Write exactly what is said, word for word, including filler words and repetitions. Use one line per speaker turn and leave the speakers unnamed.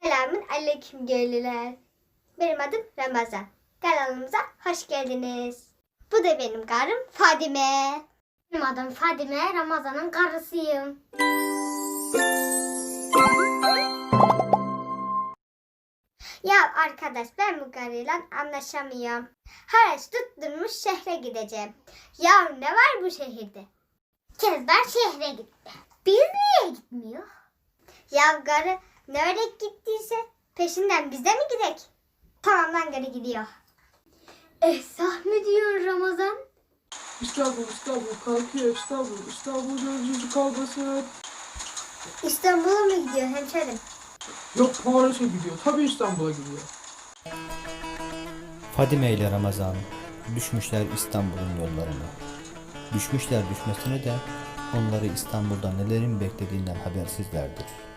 Selamun aleyküm köylüler. Benim adım Ramazan. Kanalımıza hoş geldiniz. Bu da benim karım Fadime.
Benim adım Fadime, Ramazan'ın karısıyım.
Ya arkadaş, ben bu karıyla anlaşamıyorum. Haraç tutturmuş şehre gideceğim. Ya ne var bu şehirde?
Kezban şehre gitti. Biz niye gitmiyor?
Ya karı nereye gittiyse peşinden biz de mi gidek? Tamam lan, karı gidiyor.
Esah mı diyorsun Ramazan?
İstanbul, İstanbul, kalkıyor İstanbul, İstanbul gözcüsü kalmasın.
İstanbul'a mı gidiyor hemşerim?
Yok, Paris'e gidiyor. Tabii İstanbul'a gidiyor.
Fadime ile Ramazan düşmüşler İstanbul'un yollarına. Düşmüşler düşmesine de onları İstanbul'da nelerin beklediğinden habersizlerdir.